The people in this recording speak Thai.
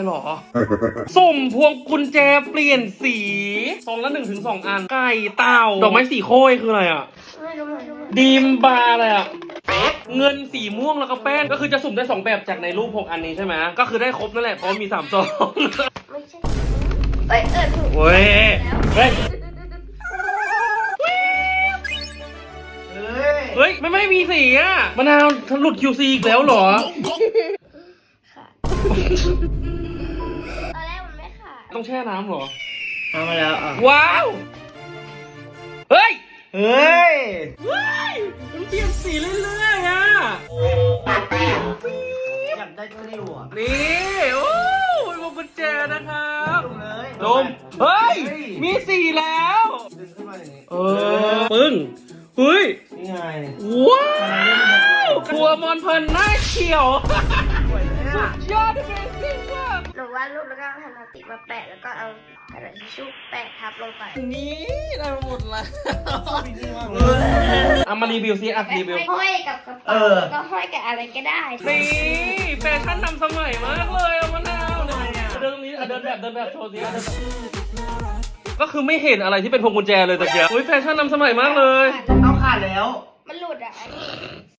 หรอ สุ่มพวงกุญแจเปลี่ยนสีซองละ1 ถึง 2 อัน ไก่เต่าดอกไม้สีโค้ยคืออะไรอ่ะไม่รู้ดีมบาร์อะไรอ่ะ เงินสีม่วงแล้วก็แป้งก็คือจะสุ่มได้2แบบจากในรูป6 อันนี้ใช่ไหมก็คือได้ครบนั่นแหละเพราะมี3 ซองไม่ใช่ถูกเว้ยเฮ้ย เฮ้ยไม่มีสีอ่ะมะนาวหลุด QC อีกแล้วเหรอค่ะตอนแรกมันไม่ขาดต้องแช่น้ำเหรอเอามาแล้วอ่ะว้าว เฮ้ยเฮ้ยเฮ้ยมันเปลี่ยนสีเรื่อยๆอ่ะอยากได้ตัวนี้ว่ะนี่โอ้ยพวงกุญแจนะครับเลยดมเฮ้ย มีสีแล้วดึงขึ้นมาอย่างนี้ปึ้งเฮ้ยนี่ไงว้าวตัวมอนเพลินหน้าเขียวสวยเลยอ่ะยอดเบสิกมากหนูวาดรูปแล้วก็เอาแผ่นพลาสติกมาแปะแล้วก็เอากระดาษทิชชู่แปะทับลงไปนี่ได้มาหมดแล้วดีมากเลยเอามารีวิวซิอ่ะรีวิวห้อยกับกระเป๋าแล้วก็ห้อยกับอะไรก็ได้นี่แฟชั่นนำสมัยมากเลยอะมะนาวเนี่ยเดินนี้เดินแบบโชว์สิก็คือไม่เห็นอะไรที่เป็นพวงกุญแจเลยตะเกียบอุ้ยแฟชั่นนำสมัยมากเลยเอาขาดแล้วมันหลุดอ่ะอันนี้